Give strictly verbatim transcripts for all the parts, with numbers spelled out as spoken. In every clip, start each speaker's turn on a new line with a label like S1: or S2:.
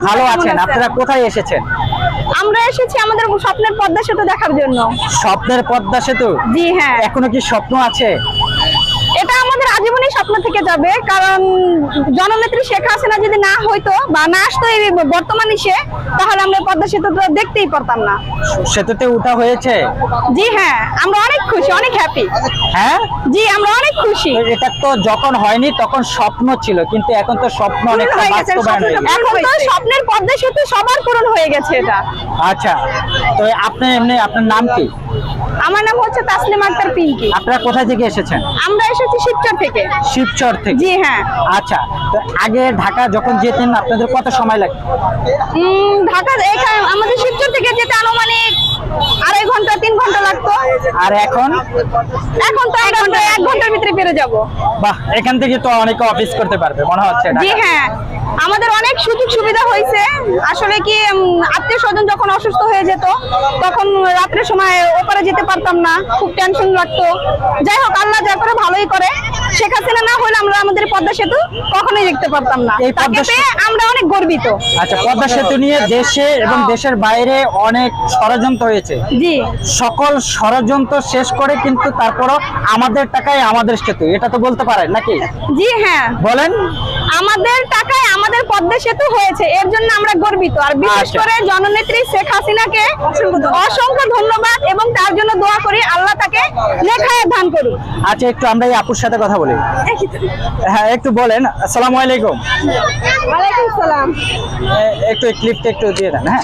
S1: ভালো আছেন? আপনারা কোথায় এসেছেন?
S2: আমরা এসেছি আমাদের স্বপ্নের পদ্মা সেতু দেখার জন্য।
S1: স্বপ্নের পদ্মা সেতু?
S2: জি হ্যাঁ।
S1: এখনো কি স্বপ্ন আছে?
S2: এটা আমাদের আজীবনই স্বপ্ন থেকে যাবে, কারণ জননেত্রী শেখ হাসিনা যদি না হইতো বা না আসতো এই বর্তমান ইসে, তাহলে আমরা পদ্মা সেতু তো দেখতেই পারতাম না।
S1: সেতুতে উঠা হয়েছে?
S2: জি হ্যাঁ, আমরা অনেক খুশি, অনেক হ্যাপি।
S1: হ্যাঁ
S2: জি, আমরা অনেক খুশি।
S1: এটা তো যখন হয়নি তখন স্বপ্ন ছিল, কিন্তু এখন তো স্বপ্ন অনেক
S2: হয়ে গেছে,
S1: বাস্তবায়ন হয়ে গেছে।
S2: এখন তো স্বপ্নের পদ্মা সেতু সবার পূরণ হয়ে গেছে এটা।
S1: আচ্ছা, তো আপনি এমনি আপনার নাম কি?
S2: আমার নাম হচ্ছে তাসলিমা আক্তার পিঙ্কি।
S1: আপনারা কোথা থেকে এসেছেন?
S2: আমরা এসেছি শিবচর থেকে।
S1: শিবচর থেকে?
S2: জি হ্যাঁ।
S1: আচ্ছা, তো আগে ঢাকা যখন যেতেন আপনাদের কত সময় লাগতো?
S2: উম, ঢাকা এখানে আমাদের শিবচর থেকে যেতে আনুমানিক আড়াই ঘন্টা তিন ঘন্টা লাগতো।
S1: আর এখন?
S2: এখন তো এক ঘন্টা এক ঘন্টার ভিতরে পেরে যাব।
S1: বাহ, এখান থেকে তো অনেকে অফিস করতে পারবে মনে হচ্ছে।
S2: জি হ্যাঁ, আমাদের অনেক সুযোগ সুবিধা হয়েছে। আসলে কি আত্মীয় স্বজন যখন অসুস্থ হয়ে যেত তখন রাত্রের সময় ওপারে যেতে পারতাম না, খুব টেনশন লাগতো। যাই হোক, আল্লাহ যা করে ভালোই করে। শেখ হাসিনা না হলে আমরা আমাদের পদ্মা সেতু কখনোই দেখতে পারতাম না।
S1: এই
S2: তাকে
S1: পদ্মা
S2: পেয়ে আমরা অনেক গর্বিত।
S1: আচ্ছা, পদ্মা সেতু নিয়ে দেশে এবং দেশের বাইরে অনেক ষড়যন্ত্র হয়েছে।
S2: জি,
S1: সকল ষড়যন্ত্র শেষ করে কিন্তু তারপরও আমাদের টাকায় আমাদের সেতু, এটা তো বলতে পারেন নাকি?
S2: জি হ্যাঁ,
S1: বলেন।
S2: আমাদের টাকায় আমাদের পদ্মা সেতু হয়েছে, এর জন্য আমরা গর্বিত। আর বিশেষ
S1: আচ্ছা।
S2: করে জননেত্রী শেখ হাসিনাকে অসংখ্য ধন্যবাদ এবং তার জন্য দোয়া করি আল্লাহ তাকে নেখায় দান করুক।
S1: আচ্ছা, একটু আমরা এই আপুর সাথে কথা বলি। হ্যাঁ, একটু বলেন। আসসালামু আলাইকুম।
S2: ওয়ালাইকুম সালাম।
S1: এ- একটু এই ক্লিপটা একটু দিয়ে দেন। হ্যাঁ,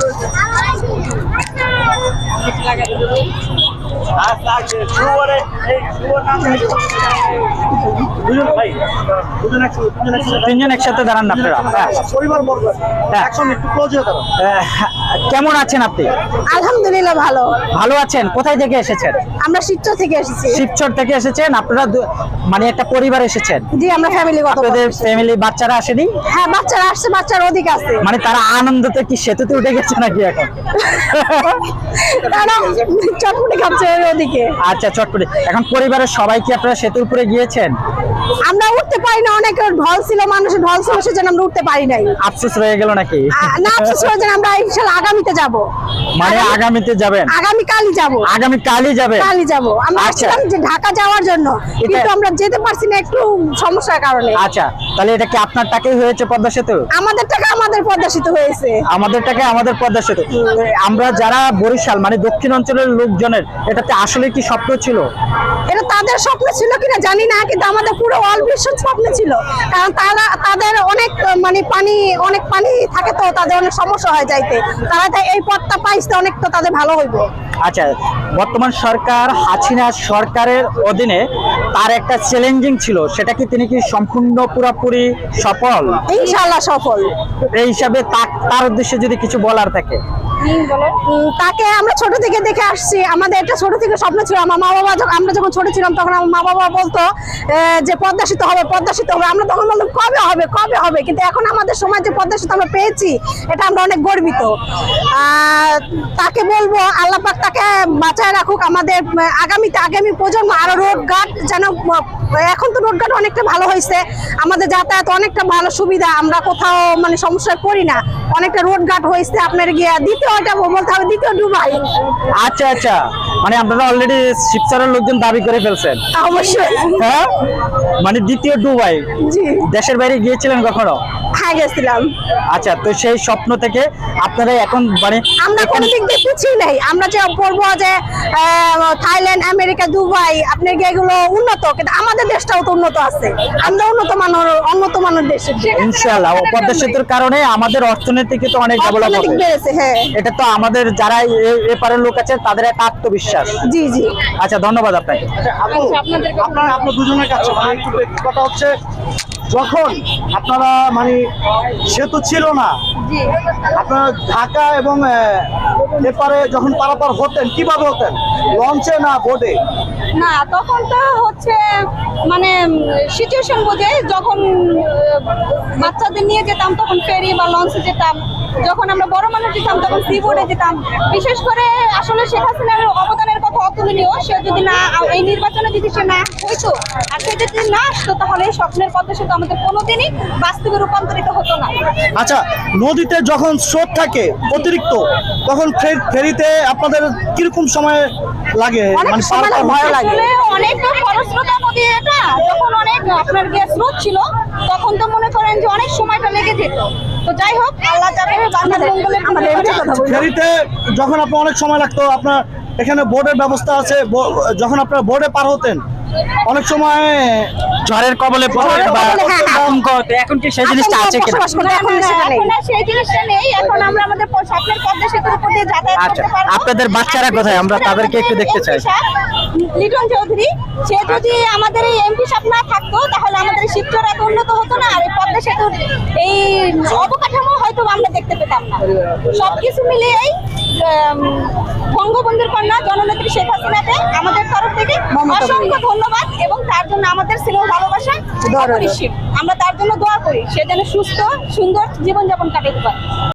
S1: তিনজন একসাথে দাঁড়ান না আপনারা। হ্যাঁ। হ্যাঁ। আহ, কেমন আছেন আপনি?
S2: আলহামদুলিল্লাহ ভালো।
S1: ভালো আছেন? কোথায় থেকে এসেছেন?
S2: আমরা শিবচর থেকে এসেছি।
S1: শিবচর থেকে এসেছেন আপনারা? দু- মানে একটা পরিবার এসেছেন?
S2: জি, আমরা ফ্যামিলিগত।
S1: আপনাদের ফ্যামিলি বাচ্চারা আসেনি?
S2: হ্যাঁ, বাচ্চারা আসছে, বাচ্চার অধিক আছে।
S1: মানে তারা আনন্দতে কি সেতুতে উঠে গেছে নাকি এখন?
S2: তারা চটপটি খাচ্ছে ওই ওদিকে।
S1: আচ্ছা, চটপটি। এখন পরিবারের সবাই কি আপনারা সেতুর উপরে গিয়েছেন?
S2: আমরা উঠতে পারি না, অনেক ঢল ছিল, মানুষের ঢল ছিল, সেজন্য আমরা উঠতে পারি নাই।
S1: আফসোস রয়ে গেল নাকি?
S2: আ- না, আফসোস হয়েছে, আমরা ইনশাআল্লাহ আগামীতে যাব।
S1: মানে আগামীতে যাবেন?
S2: আগামী কালই যাব।
S1: আগামী কালই যাবে?
S2: কালই যাব। আমরা
S1: আচ্ছা।
S2: আসছিলাম যে ঢাকা যাওয়ার জন্য, কিন্তু আমরা যেতে পারছি না একটু সমস্যার কারণে।
S1: আচ্ছা, তাহলে এটা কি আপনার টাকাই হয়েছে পদ্মা সেতু?
S2: আমাদের টাকা আমাদের প্রদর্শিত হয়েছে।
S1: আমাদের টাকায় আমাদের পদ্মা সেতু। তো আমরা যারা বরিশাল মানে দক্ষিণ অঞ্চলের লোকজনের এটাতে আসলে কি স্বপ্ন ছিল?
S2: এটা তাদের স্বপ্ন ছিল কিনা জানি না, কিন্তু আমাদের পুরো অল বিশ্বের স্বপ্ন ছিল। কারণ তারা তাদের অনেক মানে পানি অনেক পানি থাকে, তো তাদের অনেক সমস্যা হয় যাইতে। তারা তাই এই পথটা পাইছে, অনেক তো তাদের ভালো হইব।
S1: আচ্ছা, বর্তমান সরকার হাসিনা সরকারের অধীনে তার একটা চ্যালেঞ্জিং ছিল, সেটা কি তিনি কি সম্পূর্ণ পুরোপুরি সফল?
S2: ইনশাআল্লাহ সফল।
S1: এই হিসাবে তা- তার উদ্দেশ্যে যদি কিছু বলার থাকে?
S2: উম, তাকে আমরা ছোট থেকে দেখে আসছি, আমাদের একটা ছোট থেকে স্বপ্ন ছিল। আমার মা বাবা যখন আমরা যখন ছোট ছিলাম তখন আমার মা বাবা বলতো এ, যে পদ্মা সেতু হবে, পদ্মা সেতু হবে। আমরা তখন বলতাম কবে হবে কবে হবে, কিন্তু এখন আমাদের সময় যে পদ্মা সেতু আমরা পেয়েছি, এটা আমরা অনেক গর্বিত। আর তাকে বলবো আল্লাহ পাক তাকে বাঁচায় রাখুক। আমাদের উম, আগামীতে আগামী প্রজন্ম আরো রোড ঘাট যেন, এখন তো রোড ঘাট অনেকটা ভালো হয়েছে, আমাদের যাতায়াত অনেকটা ভালো সুবিধা, আমরা কোথাও মানে সমস্যায় পড়ি না, অনেকটা রোড ঘাট হয়েছে। আপনার গিয়ে দ্বিতীয় এটা বলতে হবে দ্বিতীয় ডুবাই।
S1: আচ্ছা আচ্ছা, মানে আপনারা অলরেডি শিবচরের লোকজন দাবি করে ফেলছেন?
S2: অবশ্যই।
S1: হ্যাঁ, মানে দ্বিতীয় ডুবাই।
S2: জি
S1: দেশের বাইরে গিয়েছিলেন কখনো?
S2: হ্যাঁ, গেছিলাম।
S1: আচ্ছা, তো সেই স্বপ্ন থেকে আপনারা এখন মানে
S2: আমরা কোনো দিক দিয়ে পিছিয়ে নেই। আমরা যে বলবো যে আহ, থাইল্যান্ড, আমেরিকা, দুবাই আপনার গিয়ে এগুলো উন্নত, কিন্তু আমাদের দেশটাও তো উন্নত আছে। আমরা উন্নত মানের উন্নত মানের দেশ।
S1: ইনশাআল্লাহ পদ্মা সেতুর কারণে আমাদের অর্থনীতিকে তো অনেক ডেভেলপ
S2: অর্থনৈতিক
S1: হবে।
S2: বেড়েছে। হ্যাঁ,
S1: এটা তো আমাদের যারা এ- এপারের লোক আছে তাদের একটা আত্মবিশ্বাস।
S2: জি জি।
S1: আচ্ছা, ধন্যবাদ আপনাকে।
S3: আপনার আপনার দুজনের কাছে মানে একটু একটু কথা হচ্ছে, যখন আপনারা মানে সেতু ছিল না, আপনারা ঢাকা এবং আহ, এপারে যখন পারাপার হতেন কিভাবে হতেন? লঞ্চে না বোটে?
S2: না, তখন তো হচ্ছে মানে সিচুয়েশন বুঝে, যখন আহ, বাচ্চাদের নিয়ে যেতাম তখন ফেরি বা লঞ্চে যেতাম, যখন আমরা বড় মানুষ যেতাম তখন সি বোর্ডে যেতাম। বিশেষ করে আসলে শেখ হাসিনার অবদানের কথা লক্ষ্য অতুলনীয়। সে যদি না এই নির্বাচনে যদি সে না হইতো আর সে যদি না আসতো তাহলে এই স্বপ্নের পদ্মা সেতু আমাদের কোনোদিনই বাস্তবে রূপান্তরিত হতো না।
S3: আচ্ছা, নদীতে যখন স্রোত থাকে অতিরিক্ত, তখন ফে- ফেরিতে আপনাদের কিরকম সময় লাগে?
S2: অনেক
S3: মানে
S2: সময়
S3: পার-
S2: ভয় লাগে। আসলে অনেক খরস্রোতা নদী এটা, যখন অনেক আপনার গ্যাস স্রোত ছিল তখন তো মনে করেন যে অনেক সময়টা লেগে যেত। তো যাই হোক, আল্লাহ যাবে বাংলার মঙ্গলের আমাদের এবারে কথা বলি।
S3: ফেরিতে যখন আপনার অনেক সময় লাগতো, আপনার এখানে বোর্ডের ব্যবস্থা আছে, বো- যখন আপনারা বোর্ডে পার হতেন অনেক সময়
S1: ঝড়ের কবলে পড়ে
S2: ঝড়ের
S1: বা
S2: কবলে, হ্যাঁ, হ্যাঁ।
S1: আতঙ্ক, তো এখন কি সেই জিনিসটা আছে কিনা?
S2: বসবাস করতে এখন আর সেটা নেই। এখন আর সেই জিনিসটা নেই। এখন আমরা আমাদের প- স্বপ্নের পদ্মা সেতুর উপর দিয়ে যাতায়াত
S1: আচ্ছা,
S2: করতে পারবো।
S1: আপনাদের বাচ্চারা কোথায়? আমরা তাদেরকে একটু দেখতে চাই।
S2: এমপি সাহেব, লিটন চৌধুরী, সে যদি আমাদের এই এমপি সাহেব না থাকতো তাহলে আমাদের এই শিবচর এত উন্নত হতো না, আর এই পদ্মা সেতুর এই অবকাঠামো হয়তো আমরা দেখতে পেতাম না। সবকিছু মিলিয়েই আম, বঙ্গবন্ধুর কন্যা জননেত্রী শেখ হাসিনাকে আমাদের তরফ থেকে অসংখ্য ধন্যবাদ, এবং তার জন্য আমাদের স্নেহ ভালোবাসা অপরিসীম। আমরা তার জন্য দোয়া করি সে যেন সুস্থ সুন্দর জীবনযাপন কাটাতে পারে।